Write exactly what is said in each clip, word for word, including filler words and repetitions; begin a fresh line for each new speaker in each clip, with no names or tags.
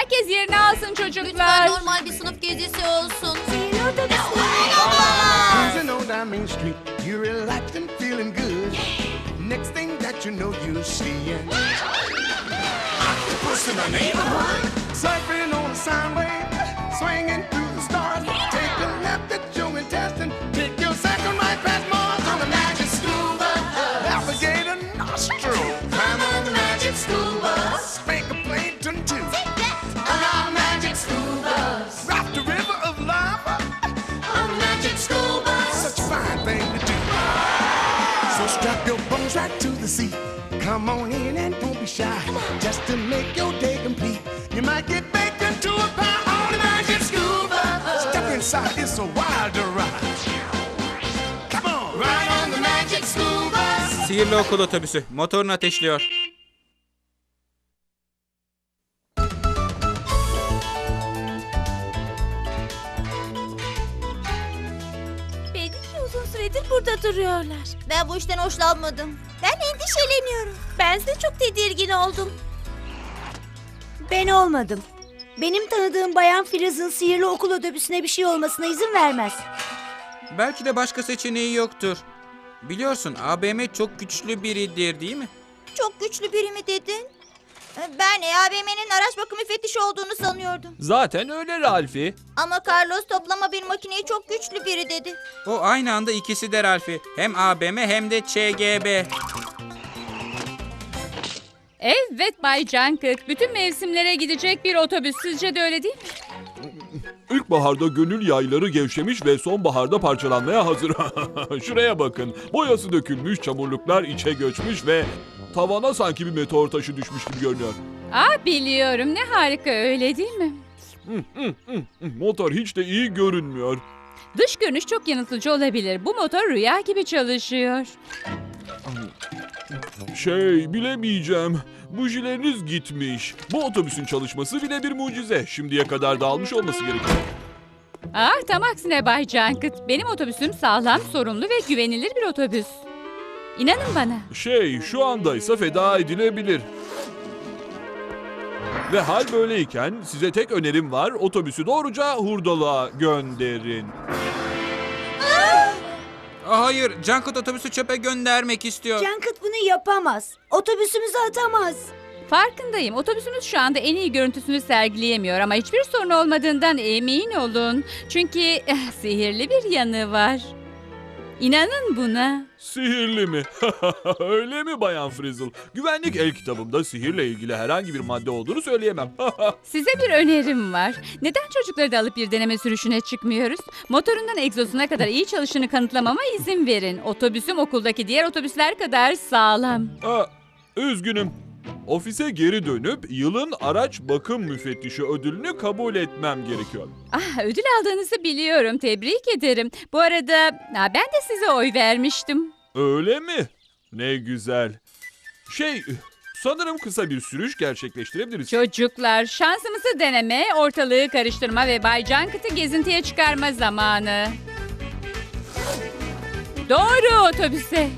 Herkes yerini alsın çocuklar.
Lütfen normal bir sınıf gezisi olsun.
Cruising on down Main Street, you're relaxed and feeling good. Next thing that you know, you're seeing octopus in the neighborhood, surfing on a sine wave, swinging through the stars. Take a left at Joe and Teston, take your second right past Mars on the magic school bus. Alligator nostril, climb on the magic school bus. Spank a plankton too. On our magic school bus, rock the river of lava. On the magic school bus, such a fine thing to do. So strap your bones right to the seat. Come on in and don't be shy. Just to make your day complete, you might get baked into a pie on the magic school bus. Step inside, it's a wilder ride. Come on, ride on the magic school bus.
Sihirli okul otobüsü motorunu ateşliyor.
Belli ki uzun süredir burada duruyorlar.
Ben bu işten hoşlanmadım. Ben endişeleniyorum.
Ben de çok tedirgin oldum. Ben olmadım. Benim tanıdığım Bayan Filiz'in sihirli okul otobüsüne bir şey olmasına izin vermez.
Belki de başka seçeneği yoktur. Biliyorsun A B M çok güçlü biridir değil mi?
Çok güçlü biri mi dedin? Ben A B M'nin araç bakım müfettişi olduğunu sanıyordum.
Zaten öyle Ralfi.
Ama Carlos toplama bir makineyi çok güçlü biri dedi.
O aynı anda ikisi de Ralfi. Hem A B M hem de Ç G B.
Evet Bay Cankıt. Bütün mevsimlere gidecek bir otobüs. Sizce de öyle değil mi?
İlkbaharda gönül yayları gevşemiş ve sonbaharda parçalanmaya hazır. Şuraya bakın. Boyası dökülmüş, çamurluklar içe göçmüş ve tavana sanki bir meteor taşı düşmüş gibi görünüyor.
Aa biliyorum. Ne harika öyle değil mi?
Motor hiç de iyi görünmüyor.
Dış görünüş çok yanıltıcı olabilir. Bu motor rüya gibi çalışıyor.
Şey, bilemeyeceğim. Bujileriniz gitmiş. Bu otobüsün çalışması bile bir mucize. Şimdiye kadar dağılmış olması gerekiyor.
Ah tam aksine Bay Cankıt. Benim otobüsüm sağlam, sorumlu ve güvenilir bir otobüs. İnanın bana.
Şey, şu andaysa feda edilebilir. Ve hal böyleyken size tek önerim var. Otobüsü doğruca hurdalığa gönderin.
Aa, hayır, Cankut otobüsü çöpe göndermek istiyor.
Cankıt bunu yapamaz. Otobüsümüzü atamaz.
Farkındayım. Otobüsümüz şu anda en iyi görüntüsünü sergileyemiyor ama hiçbir sorun olmadığından emin olun. Çünkü eh, sihirli bir yanı var. İnanın buna.
Sihirli mi? Öyle mi Bayan Frizzle? Güvenlik el kitabımda sihirle ilgili herhangi bir madde olduğunu söyleyemem.
Size bir önerim var. Neden çocukları da alıp bir deneme sürüşüne çıkmıyoruz? Motorundan egzozuna kadar iyi çalışını kanıtlamama izin verin. Otobüsüm okuldaki diğer otobüsler kadar sağlam.
Aa, üzgünüm. Ofise geri dönüp yılın araç bakım müfettişi ödülünü kabul etmem gerekiyor.
Ah, ödül aldığınızı biliyorum. Tebrik ederim. Bu arada ha, ben de size oy vermiştim.
Öyle mi? Ne güzel. Şey, sanırım kısa bir sürüş gerçekleştirebiliriz.
Çocuklar, şansımızı deneme, ortalığı karıştırma ve Bay Cankıt'ı gezintiye çıkarma zamanı. Doğru otobüse.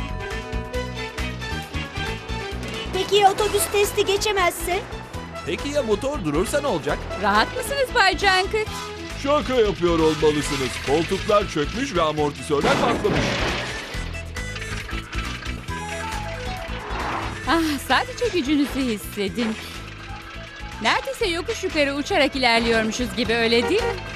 Peki ya otobüs testi geçemezse?
Peki ya motor durursa ne olacak?
Rahat mısınız Bay Cankıt?
Şaka yapıyor olmalısınız. Koltuklar çökmüş ve amortisörler patlamış.
Ah, sadece gücünüzü hissedin. Neredeyse yokuş yukarı uçarak ilerliyormuşuz gibi, öyle değil mi?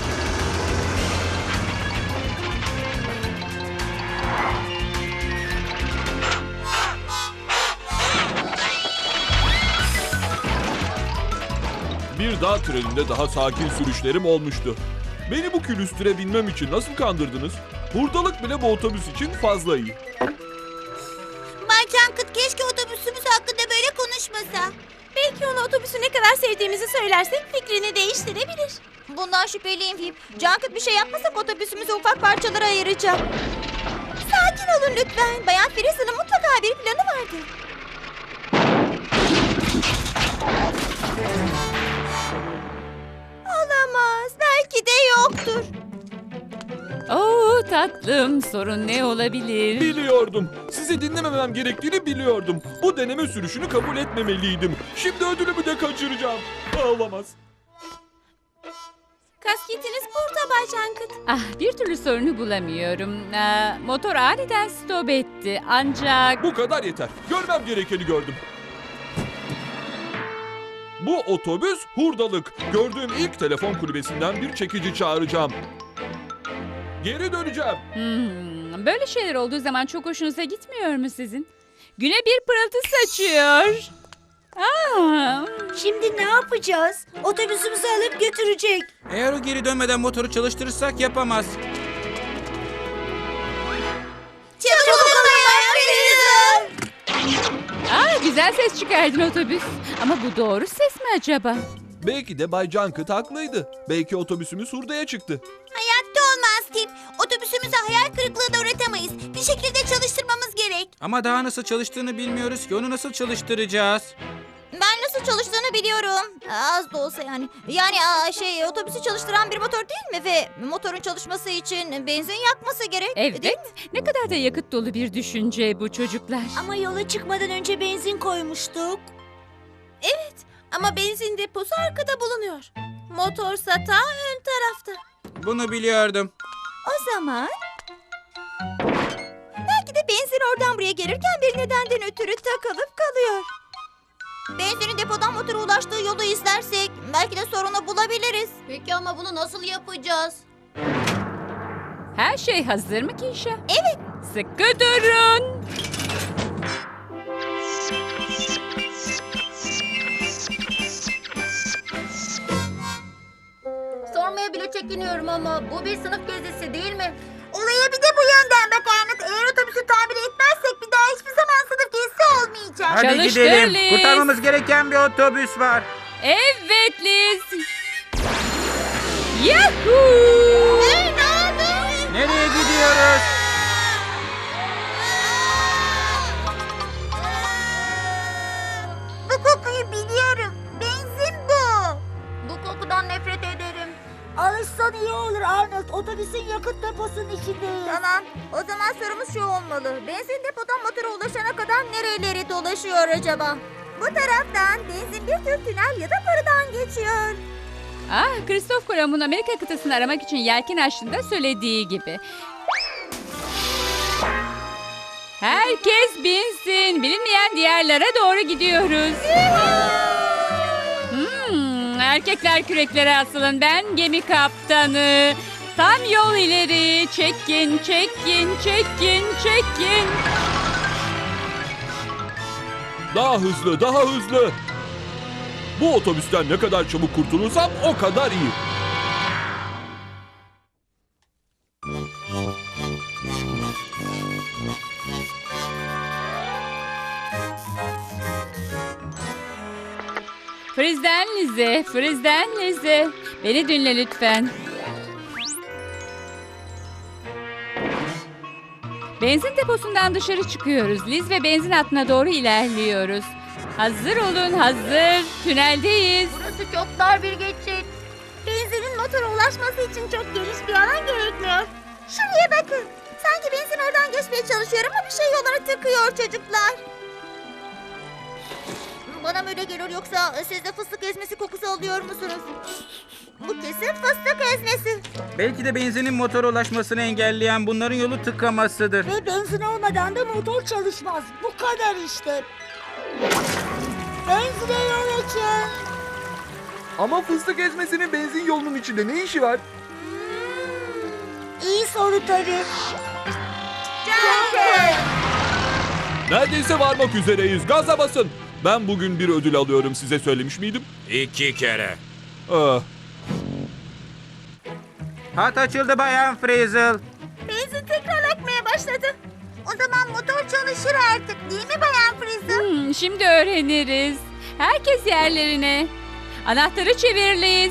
Bir dağ treninde daha sakin sürüşlerim olmuştu. Beni bu külüstüre binmem için nasıl kandırdınız? Hurdalık bile bu otobüs için fazla iyi.
Bay Cankıt keşke otobüsümüz hakkında böyle konuşmasa.
Belki ona otobüsü ne kadar sevdiğimizi söylersek fikrini değiştirebilir.
Bundan şüpheliyim Fip. Cankıt bir şey yapmasak otobüsümüzü ufak parçalara ayıracak. Sakin olun lütfen. Bayan Frizzle'ın mutlaka bir planı vardır. Olamaz. Belki de yoktur.
Oo, tatlım, sorun ne olabilir?
Biliyordum. Sizi dinlememem gerektiğini biliyordum. Bu deneme sürüşünü kabul etmemeliydim. Şimdi ödülümü de kaçıracağım. Aa, olamaz.
Kasketiniz burada Bay Cankıt.
Ah, bir türlü sorunu bulamıyorum. Aa, motor aniden stop etti ancak...
Bu kadar yeter. Görmem gerekeni gördüm. Bu otobüs hurdalık. Gördüğüm ilk telefon kulübesinden bir çekici çağıracağım. Geri döneceğim.
Hmm, böyle şeyler olduğu zaman çok hoşunuza gitmiyor mu sizin? Güne bir pırıltı saçıyor. Aa,
Şimdi ne yapacağız? Otobüsümüzü alıp götürecek.
Eğer o geri dönmeden motoru çalıştırırsak yapamaz.
Çabuk olun Bayan Frizzle.
aa, güzel ses çıkardın otobüs. Ama bu doğru ses mi acaba?
Belki de Bay Cankıt haklıydı. Belki otobüsümüz hurdaya çıktı.
Hayatta olmaz Tip. Otobüsümüzü hayal kırıklığına uğratamayız. Bir şekilde çalıştırmamız gerek.
Ama daha nasıl çalıştığını bilmiyoruz ki. Onu nasıl çalıştıracağız?
Ben nasıl çalıştığını biliyorum. Az da olsa yani. Yani aa, şey otobüsü çalıştıran bir motor değil mi? Ve motorun çalışması için benzin yakması gerek.
Evet.
Değil mi?
Ne kadar da yakıt dolu bir düşünce bu çocuklar.
Ama yola çıkmadan önce benzin koymuştuk.
Ama benzin deposu arkada bulunuyor. Motorsa ta ön tarafta.
Bunu biliyordum.
O zaman... Belki de benzin oradan buraya gelirken bir nedenden ötürü takılıp kalıyor. Benzinin depodan motora ulaştığı yolu izlersek belki de sorunu bulabiliriz. Peki ama bunu nasıl yapacağız?
Her şey hazır mı Kişa?
Evet.
Sıkı durun.
Sormaya bile çekiniyorum ama bu bir sınıf gezisi değil mi? Olaya bir de bu yönden bak Ahmet. Eğer otobüsü tamir etmezsek bir daha hiçbir zaman sınıf gezisi olmayacak.
Hadi
Çalıştır
gidelim.
Liz.
Kurtarmamız gereken bir otobüs var.
Evet Liz. Yahoo!
Hey, ne oldu?
Nereye gidiyoruz?
Bu kokuyu biliyorum. Benzin bu. Bu kokudan nefret ederim.
Alışsan iyi olur Arnold. Otobüsün yakıt deposunun içindeyiz.
Tamam. O zaman sorumuz şu olmalı. Benzin depodan motora ulaşana kadar nereleri dolaşıyor acaba? Bu taraftan benzin bir tür tünel ya da barıdan geçiyor.
Ah, Christoph Kolomb'un Amerika kıtasını aramak için yelken açtığında söylediği gibi. Herkes binsin. Bilinmeyen diyarlara doğru gidiyoruz. Hmm, erkekler küreklere asılın. Ben gemi kaptanı. Tam yol ileri. Çekin, çekin, çekin, çekin.
Daha hızlı, daha hızlı. Bu otobüsten ne kadar çabuk kurtulursam o kadar iyi.
Frizden Lize, Frizden Lize. Beni dinle lütfen. Benzin deposundan dışarı çıkıyoruz. Liz ve benzin hattına doğru ilerliyoruz. Hazır olun, hazır. Tüneldeyiz.
Burası çok dar bir geçit. Benzinin motora ulaşması için çok geniş bir alan gerekmiyor. Şuraya bakın. Sanki benzin oradan geçmeye çalışıyor ama bir şey yollara tıkıyor çocuklar. Bana mı öyle geliyor yoksa siz de fıstık ezmesi kokusu alıyor musunuz? Bu kesin fıstık ezmesi.
Belki de benzinin motora ulaşmasını engelleyen bunların yolu tıkamasıdır.
Ve benzin olmadan da motor çalışmaz. Bu kadar işte. Benzine yol açın.
Ama fıstık ezmesinin benzin yolunun içinde ne işi var?
İyi soru tabii.
Neredeyse varmak üzereyiz. Gaza basın. Ben bugün bir ödül alıyorum. Size söylemiş miydim?
İki kere.
Ah,
Hat açıldı Bayan Frizzle.
Benzin tekrar akmaya başladı. O zaman motor çalışır artık değil mi Bayan Frizzle?
Hmm, şimdi öğreniriz. Herkes yerlerine. Anahtarı çevir Liz.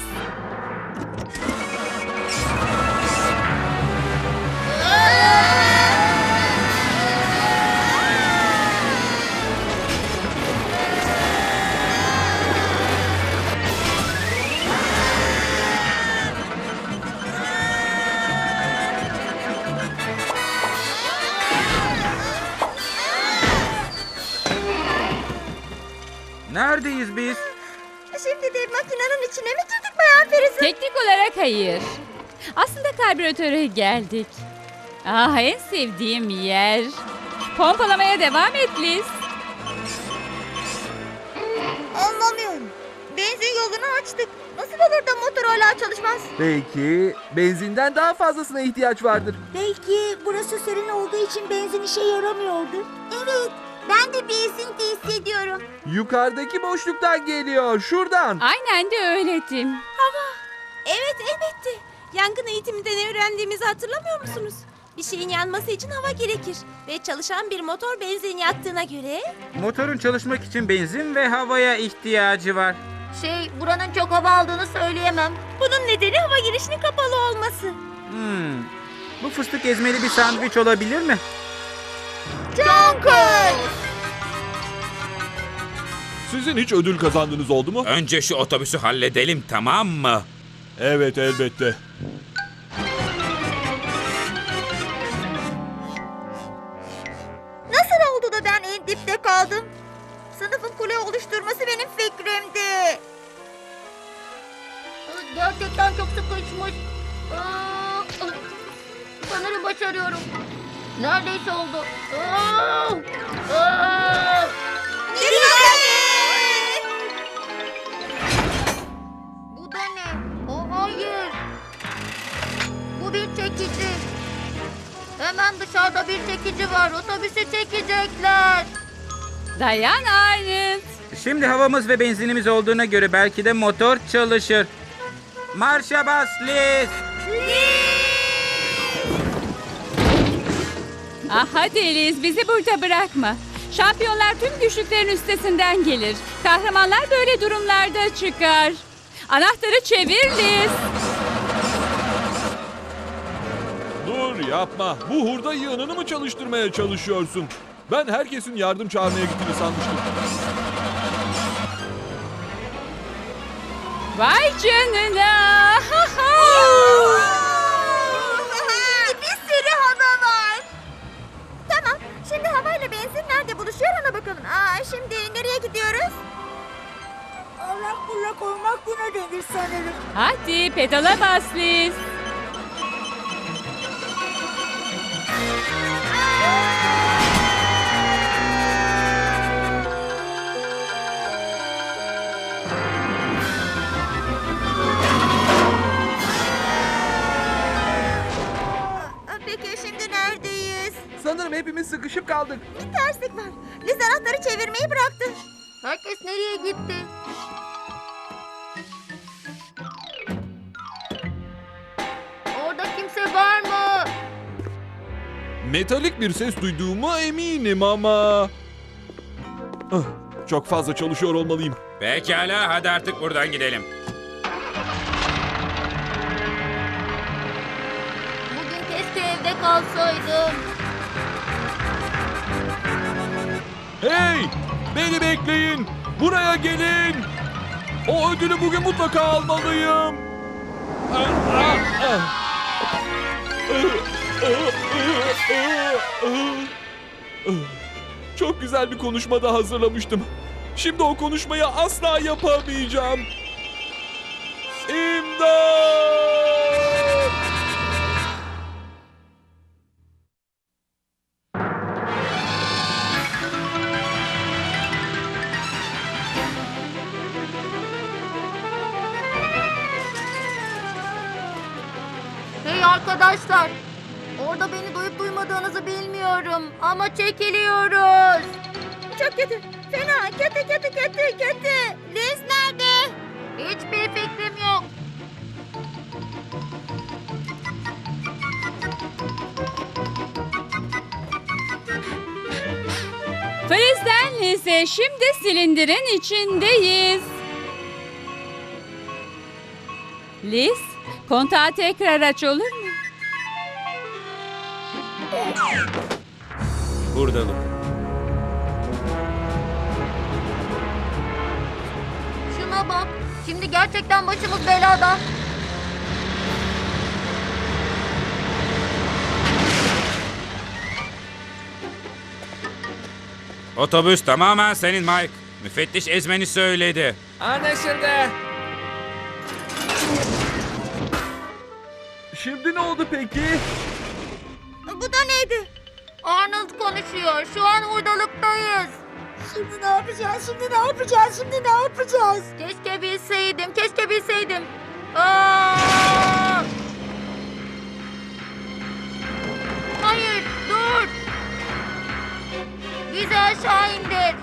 Neredeyiz biz?
Şimdi de makinenin içine mi girdik Bayan Feriz'in?
Teknik olarak hayır. Aslında karbüratöre geldik. Ah, en sevdiğim yer. Pompalamaya devam et Liz.
Anlamıyorum. Benzin yolunu açtık. Nasıl olur da motor hala çalışmaz?
Belki benzinden daha fazlasına ihtiyaç vardır.
Belki burası serin olduğu için benzin işe yaramıyordur.
Evet. Ben de bir esinti hissediyorum.
Yukarıdaki boşluktan geliyor. Şuradan.
Aynen de öyle Tim.
Evet elbette. Yangın eğitiminden öğrendiğimizi hatırlamıyor musunuz? Bir şeyin yanması için hava gerekir. Ve çalışan bir motor benzin yaktığına göre...
Motorun çalışmak için benzin ve havaya ihtiyacı var.
Şey, buranın çok hava aldığını söyleyemem. Bunun nedeni hava girişinin kapalı olması.
Hmm. Bu fıstık ezmeli bir sandviç olabilir mi?
Sizin hiç ödül kazandığınız oldu mu?
Önce şu otobüsü halledelim, tamam mı?
Evet, elbette.
Nasıl oldu da ben en dipte kaldım? Sınıfın kule oluşturması benim fikrimdi. Gerçekten çok sıkışmış. Sanırım başarıyorum. Neredeyse oldu. Bu da ne? O hayır. Bu bir çekici. Hemen dışarıda bir çekici var. Otobüsü çekecekler.
Dayan Arnold.
Şimdi havamız ve benzinimiz olduğuna göre belki de motor çalışır. Marşa bas Liz!
Ah hadi Liz, bizi burada bırakma. Şampiyonlar tüm güçlüklerin üstesinden gelir. Kahramanlar böyle durumlarda çıkar. Anahtarı çevir Liz.
Dur yapma. Bu hurda yığınını mı çalıştırmaya çalışıyorsun? Ben herkesin yardım çağırmaya gittiğini sanmıştım.
Vay canına.
Bir sürü hava var. Tamam. Şimdi havayla benzin nerede buluşuyor ona bakalım. Aa, şimdi nereye gidiyoruz?
Allak bullak olmak buna denir sanırım.
Hadi pedala bas Liz.
Aa, peki şimdi neredeyiz?
Sanırım hepimiz sıkışıp kaldık.
Bir terslik var. Liz anahtarı çevirmeyi bıraktı. Herkes nereye gitti? Orada kimse var mı?
Metalik bir ses duyduğuma eminim ama... Ah, çok fazla çalışıyor olmalıyım.
Pekala, hadi artık buradan gidelim.
Bugün keşke evde kalsaydım.
Hey! Beni bekleyin! Buraya gelin! O ödülü bugün mutlaka almalıyım! Ah, ah, ah. Çok güzel bir konuşma da hazırlamıştım. Şimdi o konuşmayı asla yapamayacağım. İmdat!
Hey arkadaşlar. Orada beni duyup duymadığınızı bilmiyorum. Ama çekiliyoruz. Çok kötü. Fena. Kötü kötü kötü kötü. Liz nerede? Hiçbir fikrim yok.
Friz'den Liz'e şimdi silindirin içindeyiz. Liz, kontağı tekrar aç olur mu?
Buradalık.
Şuna bak. Şimdi gerçekten başımız belada.
Otobüs tamamen senin Mike. Müfettiş ezmeni söyledi.
Anlaşıldı. Şimdi ne oldu peki?
Bu da neydi? Arnold konuşuyor. Şu an hurdalıktayız.
Şimdi ne yapacağız? Şimdi ne yapacağız? Şimdi ne yapacağız?
Keşke bilseydim. Keşke bilseydim. Aa! Hayır, dur. Bizi aşağı indir.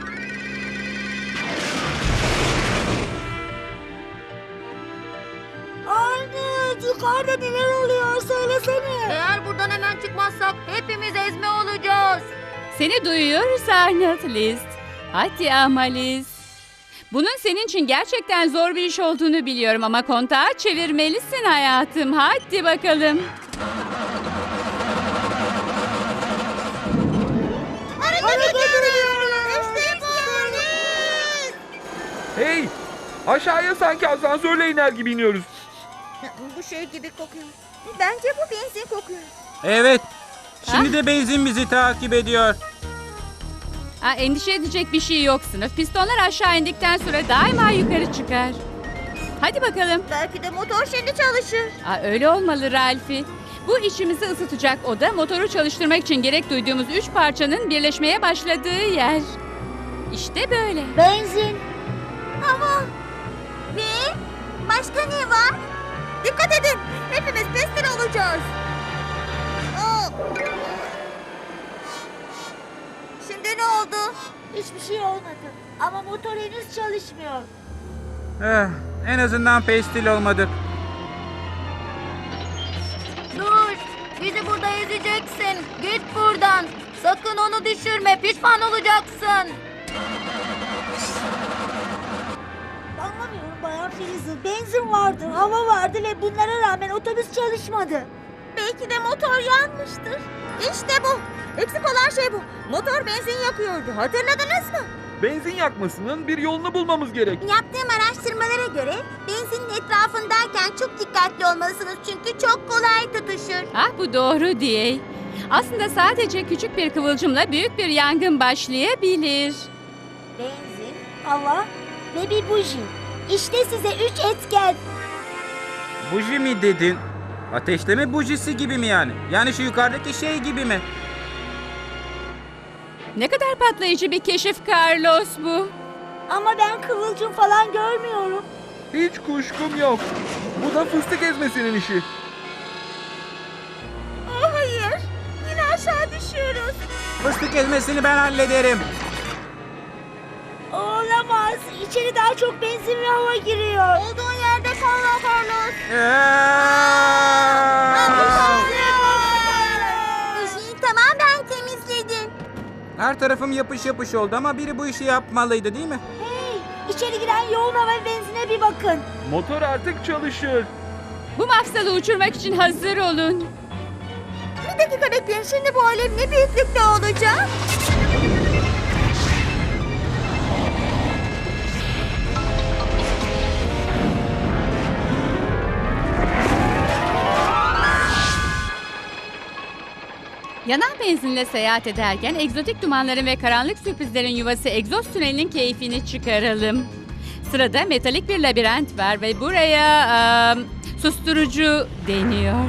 Arnold, yukarıda neler oluyor? Söylesene.
Eğer buradan hemen çıkmazsak hepimiz ezme olacağız.
Seni duyuyoruz Arnold List. Hadi ama Liz. Bunun senin için gerçekten zor bir iş olduğunu biliyorum ama kontağı çevirmelisin hayatım. Hadi bakalım.
Hareket ediyoruz. İşte bu.
Hey! Aşağıya sanki asansörle iner gibi iniyoruz.
Bu şey gibi kokuyor. Bence bu benzin kokuyor.
Evet. Şimdi de benzin bizi takip ediyor.
Ha, endişe edecek bir şey yok sınıf. Pistonlar aşağı indikten sonra daima yukarı çıkar. Hadi bakalım.
Belki de motor şimdi çalışır.
Ha, öyle olmalı Ralphie. Bu içimizi ısıtacak oda motoru çalıştırmak için gerek duyduğumuz üç parçanın birleşmeye başladığı yer. İşte böyle.
Benzin.
Hava. Ve başka ne var? Dikkat edin. Hepimiz pestil olacağız. Aa. Şimdi ne oldu?
Hiçbir şey olmadı. Ama motor henüz çalışmıyor.
Eh, en azından pestil olmadık.
Dur. Bizi burada ezeceksin. Git buradan. Sakın onu düşürme. Pişman olacaksın.
Anlamıyorum Bayan Filiz'in. Benzin vardı, hava vardı ve bunlara rağmen otobüs çalışmadı.
Belki de motor yanmıştır. İşte bu. Eksik olan şey bu. Motor benzin yakıyordu. Hatırladınız mı?
Benzin yakmasının bir yolunu bulmamız gerek.
Yaptığım araştırmalara göre benzinin etrafındayken çok dikkatli olmalısınız çünkü çok kolay tutuşur.
Ah bu doğru diye. Aslında sadece küçük bir kıvılcımla büyük bir yangın başlayabilir.
Benzin, hava ve bir buji. İşte size üç etken.
Buji mi dedin? Ateşleme bujisi gibi mi yani? Yani şu yukarıdaki şey gibi mi?
Ne kadar patlayıcı bir keşif Carlos bu.
Ama ben kıvılcım falan görmüyorum.
Hiç kuşkum yok. Bu da fıstık ezmesinin işi.
Oh hayır. Yine aşağı düşüyoruz.
Fıstık ezmesini ben hallederim.
Olamaz. İçeri daha çok benzin ve hava giriyor.
Olduğun yerde kal Carlos. Bujiyi tamamen temizledin.
Her tarafım yapış yapış oldu ama biri bu işi yapmalıydı değil mi?
Hey, içeri giren yoğun hava ve benzine bir bakın.
Motor artık çalışır.
Bu mafsalı uçurmak için hazır olun.
Bir dakika bekleyin. Şimdi bu alev ne büyüklükte olacak?
Yanan benzinle seyahat ederken egzotik dumanların ve karanlık sürprizlerin yuvası egzoz tünelinin keyfini çıkaralım. Sırada metalik bir labirent var ve buraya eee, susturucu deniyor.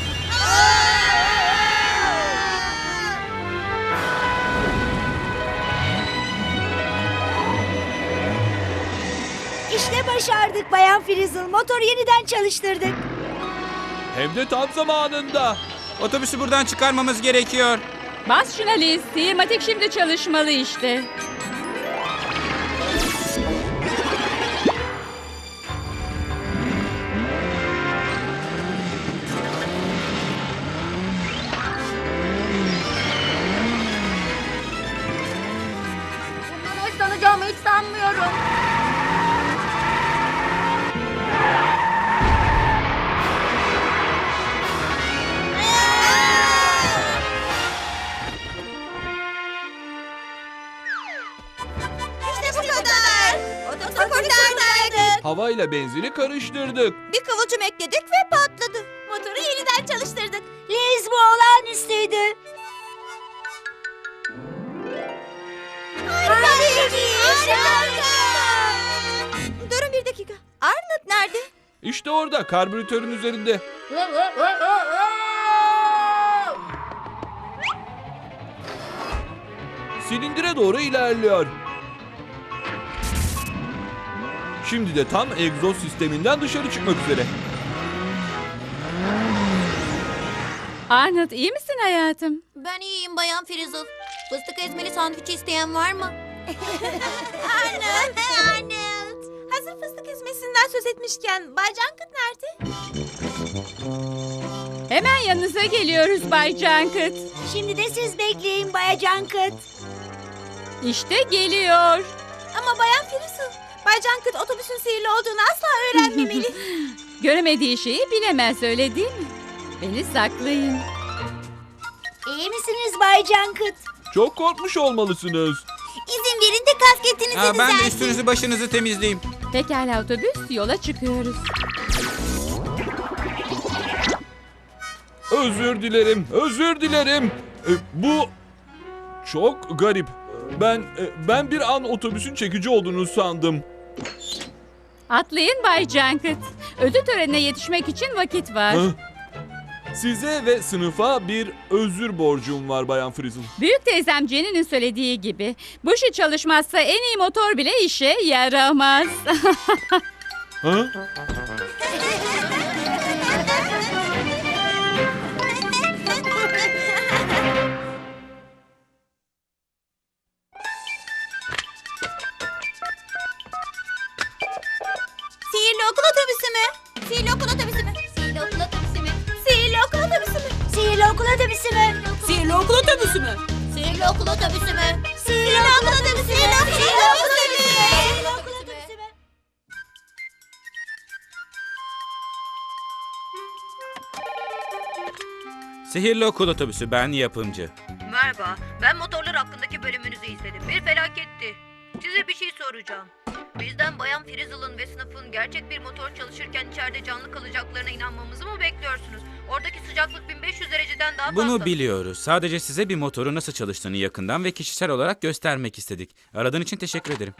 İşte başardık Bayan Frizzle. Motoru yeniden çalıştırdık.
Hem de tam zamanında.
Otobüsü buradan çıkarmamız gerekiyor.
Bas şuna Liz. Sihirmatik şimdi çalışmalı işte.
Bundan hoşlanacağımı hiç sanmıyorum. İşte bu kadar. Otobüsü kurtardık.
Havayla benzini karıştırdık.
Bir kıvılcım ekledik ve patladı. Motoru yeniden çalıştırdık.
Liz, bu olağanüstüydü.
Harika bir iş. nerede?
İşte orada, karbüratörün üzerinde. Silindire doğru ilerliyor. Şimdi de tam egzoz sisteminden dışarı çıkmak üzere.
Arnold, iyi misin hayatım?
Ben iyiyim Bayan Frizzle. Fıstık ezmeli sandviç isteyen var mı? Arnold, Arnold.
Hazır fıstık ezmesinden söz etmişken Bay Cankıt nerede?
Hemen yanınıza geliyoruz Bay Cankıt.
Şimdi de siz bekleyin Bay Cankıt.
İşte geliyor.
Ama Bayan Frizzle, Bay Cankıt otobüsün sihirli olduğunu asla öğrenmemeli.
Göremediği şeyi bilemez, öyle değil mi? Beni saklayın.
İyi misiniz Bay Cankıt?
Çok korkmuş olmalısınız.
İzin verin de kasketinizi
Aa, ben de
düzeltin.
üstünüzü başınızı temizleyeyim.
Pekala otobüs, yola çıkıyoruz.
Özür dilerim, özür dilerim. E, bu çok garip. Ben e, ben bir an otobüsün çekici olduğunu sandım.
Atlayın Bay Cankıt. Ödül törenine yetişmek için vakit var.
Hı? Size ve sınıfa bir özür borcum var Bayan Frizzle.
Büyük teyzem Jenny'nin söylediği gibi bu şey çalışmazsa en iyi motor bile işe yaramaz.
Ha?
Sihirli okul otobüsü mü?
Sihirli okul otobüsü mü? Sihirli okul otobüsü mü?
Sihirli okul otobüsü mü?
Sihirli okul otobüsü mü?
Sihirli okul otobüsü mü?
Sihirli okul otobüsü mü?
Sihirli okul otobüsü mü?
Sihirli okul otobüsü mü?
Sihirli okul otobüsü mü?
Sihirli okul otobüsü, ben yapımcı.
Merhaba, ben motorlar hakkındaki bölümünüzü izledim. Bir felaketti. Size bir şey soracağım. Bizden Bayan Frizzle'ın ve sınıfın gerçek bir motor çalışırken içeride canlı kalacaklarına inanmamızı mı bekliyorsunuz? Oradaki sıcaklık bin beş yüz dereceden daha fazla.
Bunu biliyoruz. Sadece size bir motoru nasıl çalıştığını yakından ve kişisel olarak göstermek istedik. Aradığın için teşekkür ederim.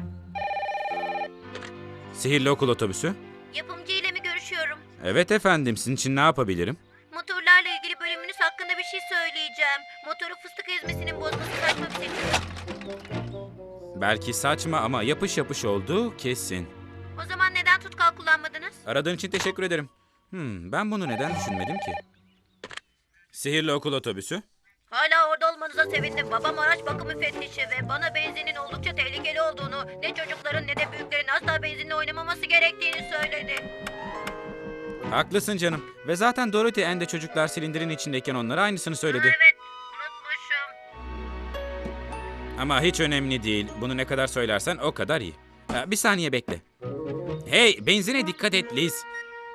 Sihirli okul otobüsü?
Yapımcı ile mi görüşüyorum?
Evet efendim, sizin için ne yapabilirim?
Motorlarla ilgili bölümünüz hakkında bir şey söyleyeceğim. Motoru fıstık ezmesinin bozması saçma bir seçim.
Belki saçma ama yapış yapış oldu kesin.
O zaman neden tutkal kullanmadınız?
Aradığın için teşekkür ederim. Hmm, ben bunu neden düşünmedim ki? Sihirli okul otobüsü?
Hala orada olmanıza sevindim. Babam araç bakım müfettişi ve bana benzinin oldukça tehlikeli olduğunu, ne çocukların ne de büyüklerin asla benzinle oynamaması gerektiğini söyledi.
Haklısın canım. Ve zaten Dorothy Ann de çocuklar silindirin içindeyken onlara aynısını söyledi.
Evet, unutmuşum.
Ama hiç önemli değil. Bunu ne kadar söylersen o kadar iyi. Ha, bir saniye bekle. Hey, benzine dikkat et Liz.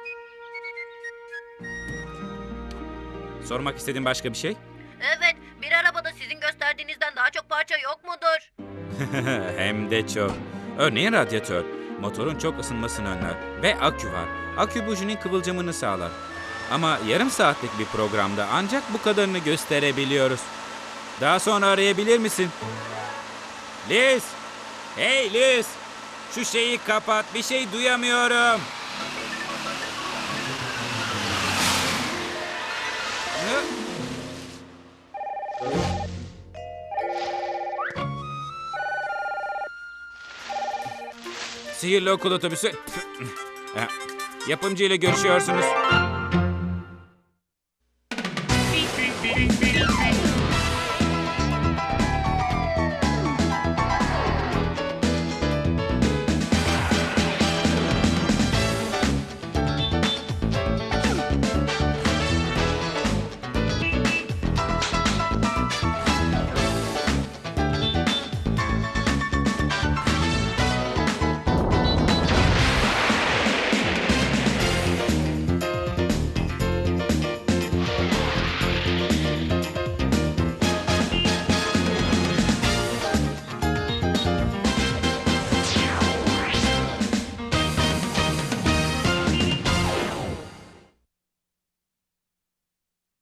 Sormak istediğin başka bir şey?
Evet, bir arabada sizin gösterdiğinizden daha çok parça yok mudur?
Hem de çok. Örneğin radyatör. Motorun çok ısınmasını önler. Ve akü var. Akü bujinin kıvılcımını sağlar. Ama yarım saatlik bir programda ancak bu kadarını gösterebiliyoruz. Daha sonra arayabilir misin? Liz! Hey Liz! Şu şeyi kapat. Bir şey duyamıyorum. Ne? Sihirli okul otobüsü. Yapımcı ile görüşüyorsunuz.